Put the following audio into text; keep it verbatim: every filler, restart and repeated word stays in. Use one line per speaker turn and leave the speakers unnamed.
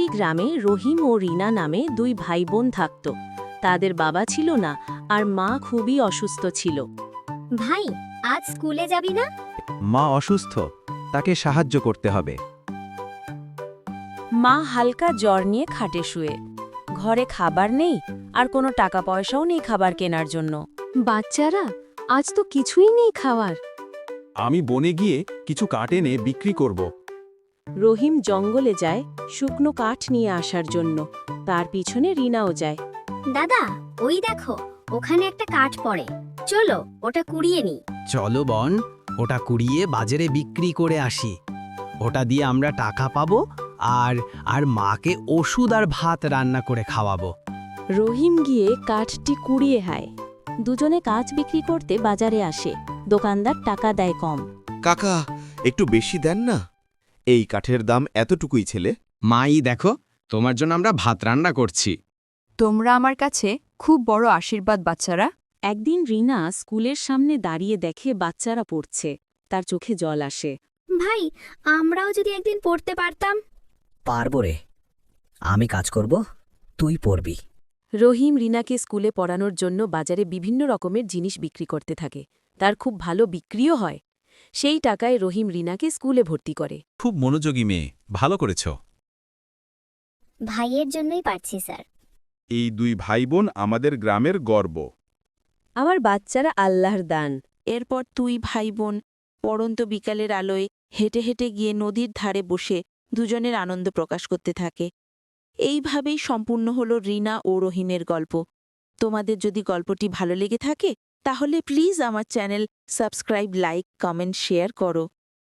গ্রামে রহিম ও রিনা নামে দুই ভাই বোন থাকত। তাদের বাবা ছিল না আর মা খুবই অসুস্থ ছিল।
ভাই, আজ স্কুলে যাবি না?
মা অসুস্থ, তাকে সাহায্য করতে হবে।
মা হালকা জ্বর নিয়ে খাটে শুয়ে। ঘরে খাবার নেই আর কোনো টাকা পয়সাও নেই খাবার কেনার জন্য।
বাচ্চারা, আজ তো কিছুই নেই খাওয়ার।
আমি বনে গিয়ে কিছু কাঠ এনে বিক্রি করব।
রহিম জঙ্গলে যায় শুকনো কাঠ নিয়ে আসার জন্য। তার পিছনে রিনাও যায়।
দাদা, ওই দেখো, ওখানে একটা কাঠ পড়ে। চলো ওটা কুড়িয়ে নিই।
চলো বোন, ওটা কুড়িয়ে বাজারে বিক্রি করে আসি। ওটা দিয়ে আমরা টাকা পাবো আর আর মাকে ওষুধ আর ভাত রান্না করে খাওয়াবো।
রহিম গিয়ে কাঠটি কুড়িয়ে হায়। দুজনে কাঠ বিক্রি করতে বাজারে আসে। দোকানদার টাকা দেয় কম।
কাকা, একটু বেশি দেন না। এই কাঠের দাম এতটুকুই ছেলে।
মাই দেখো, তোমার জন্য আমরা ভাত রান্না করছি।
তোমরা আমার কাছে খুব বড় আশীর্বাদ বাচ্চারা।
একদিন রিনা স্কুলের সামনে দাঁড়িয়ে দেখে বাচ্চারা পড়ছে। তার চোখে জল আসে।
ভাই, আমরাও যদি একদিন পড়তে পারতাম।
পারবো রে, আমি কাজ করব, তুই পড়বি।
রহিম রিনাকে স্কুলে পড়ানোর জন্য বাজারে বিভিন্ন রকমের জিনিস বিক্রি করতে থাকে। তার খুব ভালো বিক্রিও হয়। সেই টাকায় রহিম রিনাকে স্কুলে ভর্তি করে।
খুব মনোযোগী মেয়ে, ভালো করেছ।
ভাইয়ের জন্যই পারছি স্যার।
এই দুই ভাই বোন আমাদের গ্রামের গর্ব।
আমার বাচ্চারা আল্লাহর দান। এরপর তুই ভাই বোন পড়ন্ত বিকালের আলোয় হেঁটে হেঁটে গিয়ে নদীর ধারে বসে দুজনের আনন্দ প্রকাশ করতে থাকে। এইভাবেই সম্পূর্ণ হল রিনা ও রহিমের গল্প। তোমাদের যদি গল্পটি ভালো লেগে থাকে তাহলে প্লিজ আমার channel subscribe, like, comment, share করো।